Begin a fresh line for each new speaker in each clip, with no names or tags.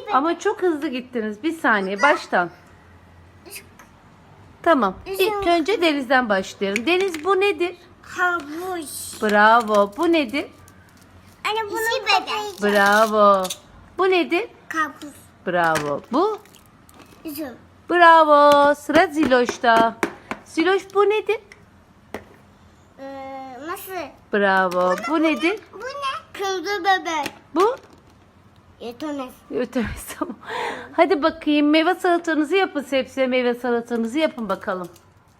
Ama çok hızlı gittiniz. Bir saniye baştan. Tamam. İlk önce Deniz'den başlayalım. Deniz, bu nedir?
Havuç.
Bravo. Bu nedir?
Anne bunu bebek.
Bravo. Bu nedir?
Karpuz.
Bravo. Bu?
Üzüm.
Bravo. Sıra Ziloş'ta. Ziloş, bu nedir?
Nasıl?
Bravo. Bu nedir?
Bu ne? Kırdı bebek.
Bu?
Yetemez.
Ötemez, tamam. Hadi bakayım, meyve salatanızı yapın. Sebze meyve salatanızı yapın bakalım.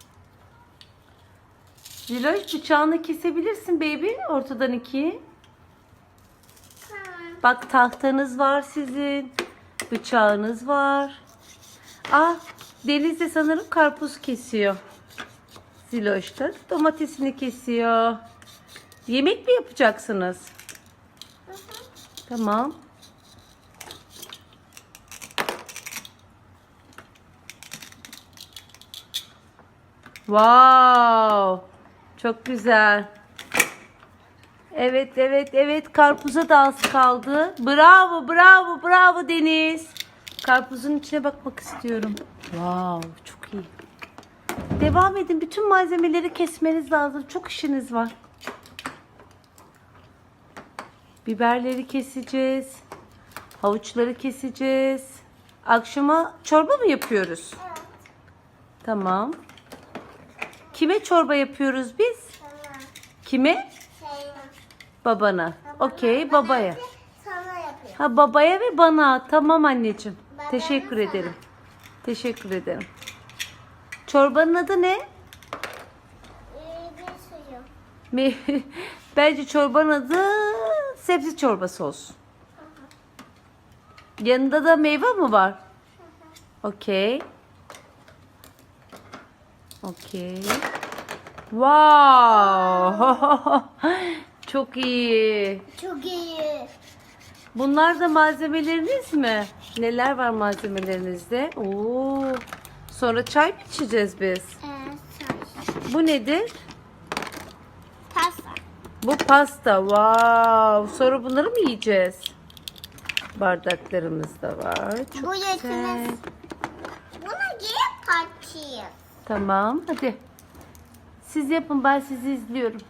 Ziloş, bıçağını kesebilirsin baby. Ortadan ikiye.
Tamam.
Bak, tahtanız var sizin. Bıçağınız var. Ah, Deniz de sanırım karpuz kesiyor. Ziloş da domatesini kesiyor. Yemek mi yapacaksınız? Tamam. Wow. Çok güzel. Evet, evet, evet. Karpuza da az kaldı. Bravo, bravo, bravo Deniz. Karpuzun içine bakmak istiyorum. Wow, çok iyi. Devam edin. Bütün malzemeleri kesmeniz lazım. Çok işiniz var. Biberleri keseceğiz. Havuçları keseceğiz. Akşama çorba mı yapıyoruz?
Evet.
Tamam. Kime çorba yapıyoruz biz?
Tamam.
Kime? Babana. Okey, babaya.
Sana yapıyor.
Ha, babaya ve bana. Tamam anneciğim.
Babana
Teşekkür
sana.
ederim. Teşekkür ederim. Çorbanın adı ne?
Bir suyu.
Bence çorbanın adı sebze çorbası olsun. Yanında da meyve mi var? Okey. Okey. Wow. Çok iyi.
Çok iyi.
Bunlar da malzemeleriniz mi? Neler var malzemelerinizde? Oo. Sonra çay mı içeceğiz biz?
Çay.
Bu nedir?
Pasta.
Bu pasta. Wow. Sonra bunları mı yiyeceğiz? Bardaklarımız da var. Çok
Bu
güzel.
yetmez. Buna geri kaçayım.
Tamam. Hadi. Siz yapın. Ben sizi izliyorum.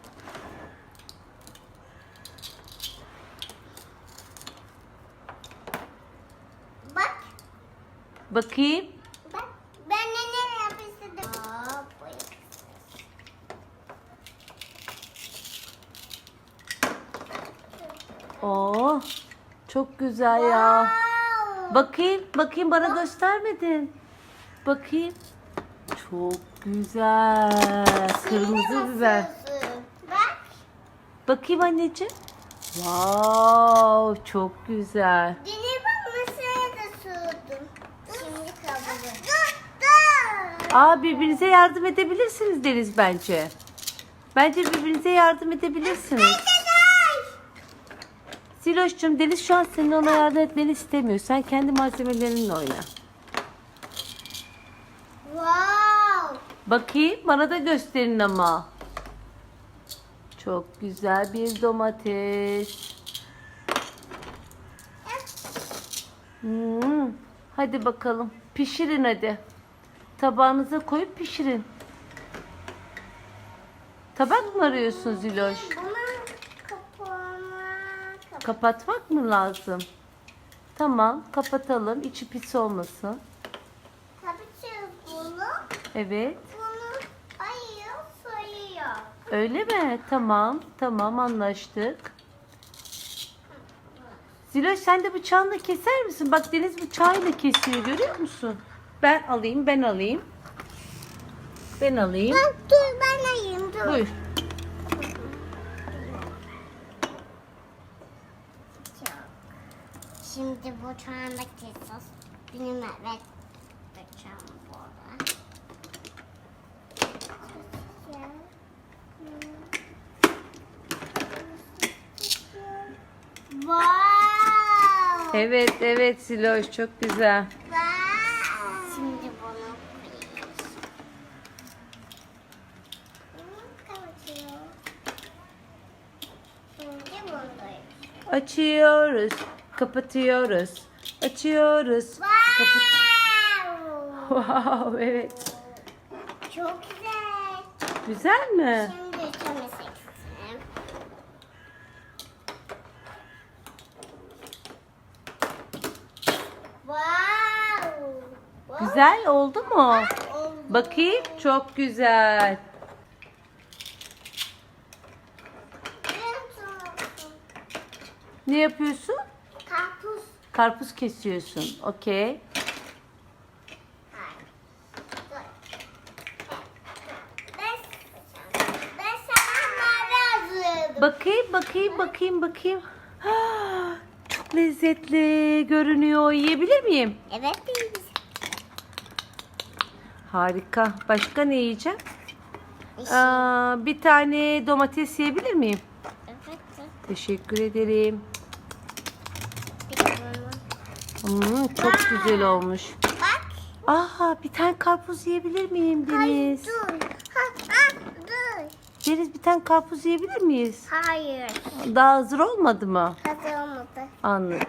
Bak.
Bakayım.
Bak. Ben neler yapıştırdım.
Oo. Çok güzel ya. Bakayım. Bakayım, bana göstermedin. Bakayım. Çok güzel. Kırmızı biber.
Bak.
Bakayım anneciğim. Wow, çok güzel.
Dili bak masaya da sürdüm. Şimdi kabuğu. Dur.
Aa, birbirinize yardım edebilirsiniz Deniz bence. Bence birbirinize yardım edebilirsiniz. Siloş'cum, Deniz şu an senin ona yardım etmeni istemiyor. Sen kendi malzemelerinle oyna.
Wow.
Bakayım, bana da gösterin ama. Çok güzel bir domates. Hadi bakalım. Pişirin hadi. Tabağınıza koyup pişirin. Tabak mı arıyorsun Ziloş?
Bunun kapağını
Kapatmak mı lazım? Tamam, kapatalım. İçi pis olmasın.
kapatıyoruz bunu.
Evet.
Bunu ayıyor, soyuyor.
Öyle mi? Tamam. Tamam, anlaştık. Ziloş, sen de bıçağınla keser misin? Bak, Deniz bıçağıyla kesiyor, görüyor musun? Ben alayım, ben alayım. Ben alayım.
Dur ben ayayım dur.
Buyur.
Şimdi bu çağında keseceğiz. Benim evet bıçağım burada. Wow.
Evet, evet Ziloş, çok güzel.
Wow. Şimdi bunu koyuyoruz. Kapatıyor. Şimdi bunu
Açıyoruz, kapatıyoruz. Açıyoruz. Kapı.
Wow.
Wow, evet.
Çok güzel.
Güzel mi?
Şimdi temizleyelim. Wow.
Güzel oldu mu?
Oldu.
Bakayım. Çok güzel. Ne yapıyorsun?
Karpuz.
Karpuz kesiyorsun. Okey.
Ben sana mavi hazırladım.
Bakayım. Ah, çok lezzetli görünüyor. Yiyebilir miyim?
Evet değil.
Harika. Başka ne yiyeceğim? Bir tane domates yiyebilir miyim?
Evet.
Teşekkür ederim. Çok güzel olmuş.
Bak.
Aha, bir tane karpuz yiyebilir miyim Deniz?
Dur. Dur.
Deniz, bir tane karpuz yiyebilir miyiz?
Hayır.
Daha hazır olmadı mı?
Hazır olmadı.
Anladım.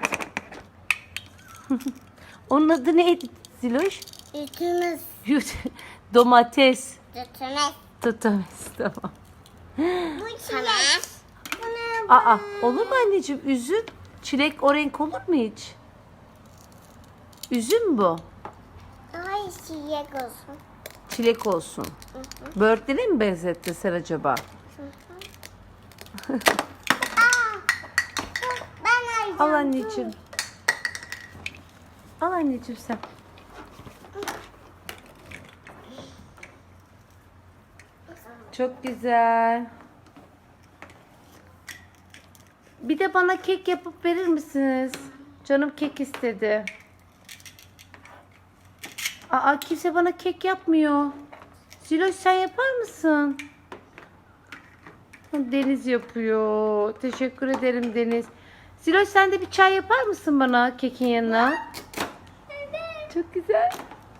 Onun adı neydi Ziloş?
Ütümüz.
Domates.
Ütümüz.
Domates, tamam.
Bu çilek.
Aa, olur mu anneciğim? Üzüm, çilek o renk olur mu hiç? Üzüm bu.
Hayır çilek olsun.
Çilek olsun. Böğürtlene mi benzettin sen acaba?
Ben alacağım.
Al anneciğim. Al anneciğim sen. Çok güzel. Bir de bana kek yapıp verir misiniz? Canım kek istedi. Aa, kimse bana kek yapmıyor. Ziloş, sen yapar mısın? Deniz yapıyor. Teşekkür ederim Deniz. Ziloş, sen de bir çay yapar mısın bana kekin yanına? Çok güzel.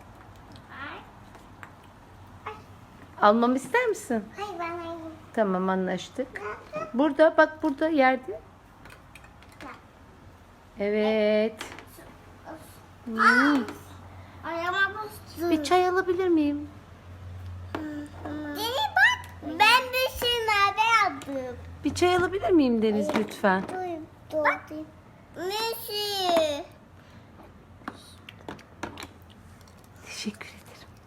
Almamı ister misin?
Hayır ben alayım.
Tamam, anlaştık. Burada bak, burada yerde. Evet.
Ayağıma bastı.
Bir çay alabilir miyim?
Deli bak. Ben bir şey mavi aldım.
Bir çay alabilir miyim Deniz lütfen?
Dur. Messi.
Teşekkür ederim.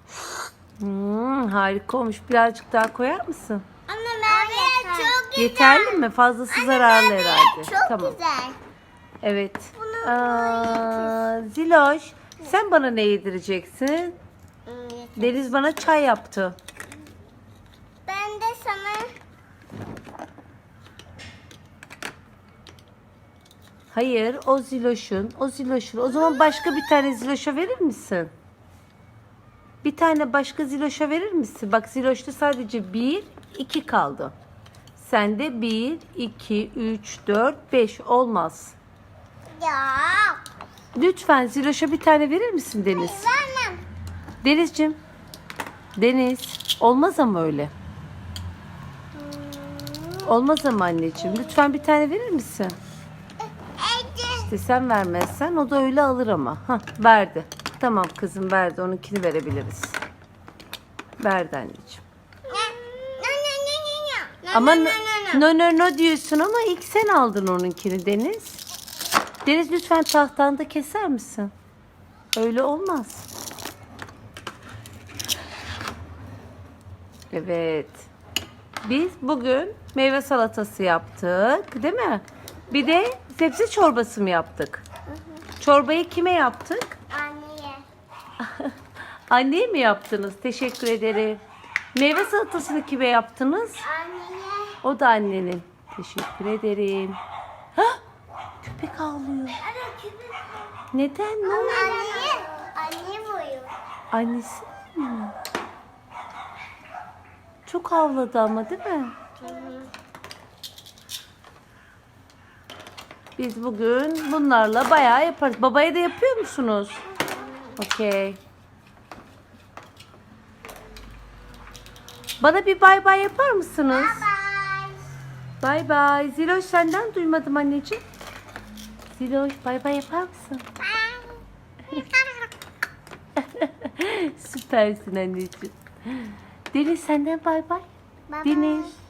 Harika olmuş. Birazcık daha koyar mısın?
Anne mavi çok güzel.
Yeterli mi? Fazlası zararlı
mavi
herhalde.
Çok
Tamam.
güzel.
Evet. Ziloş, sen bana ne yedireceksin? Deniz bana çay yaptı.
Ben de sana
Hayır, o Ziloş'un. O zaman başka bir tane Ziloş'a verir misin? Bir tane başka Ziloş'a verir misin? Bak, Ziloş'ta sadece 1, 2 kaldı. Sende 1, 2, 3, 4, 5 olmaz.
ya.
Lütfen Ziloş'a bir tane verir misin Deniz?
Vermem.
Denizciğim. Deniz. Olmaz ama öyle. Olmaz ama anneciğim. Lütfen bir tane verir misin? İşte sen vermezsen o da öyle alır ama. Hah, verdi. Tamam kızım, verdi. Onunkini verebiliriz. Verdi anneciğim. Ama no diyorsun ama ilk sen aldın onunkini Deniz. Deniz, lütfen tahtanda keser misin? Öyle olmaz. Evet. Biz bugün meyve salatası yaptık, değil mi? Bir de sebze çorbası mı yaptık? Çorbayı kime yaptık?
Anneye.
Anneye mi yaptınız? Teşekkür ederim. Meyve salatasını kime yaptınız?
Anneye.
O da annenin. Teşekkür ederim. Hah! Köpek ağlıyor. Neden? Ne oldu?
Anneye. Anne boyu.
Annesi mi? Çok havladı ama, değil mi? Biz bugün bunlarla bayağı yaparız. Babaya da yapıyor musunuz? Okey. Bana bir bay bay yapar mısınız?
Bye.
Bay bay. Ziloş, senden duymadım anneciğim. Ziloş, bay bay yapar mısın?
Bye.
Süpersin anneciğim. Deniz senden bay bay.
Bye bye.
Deniz.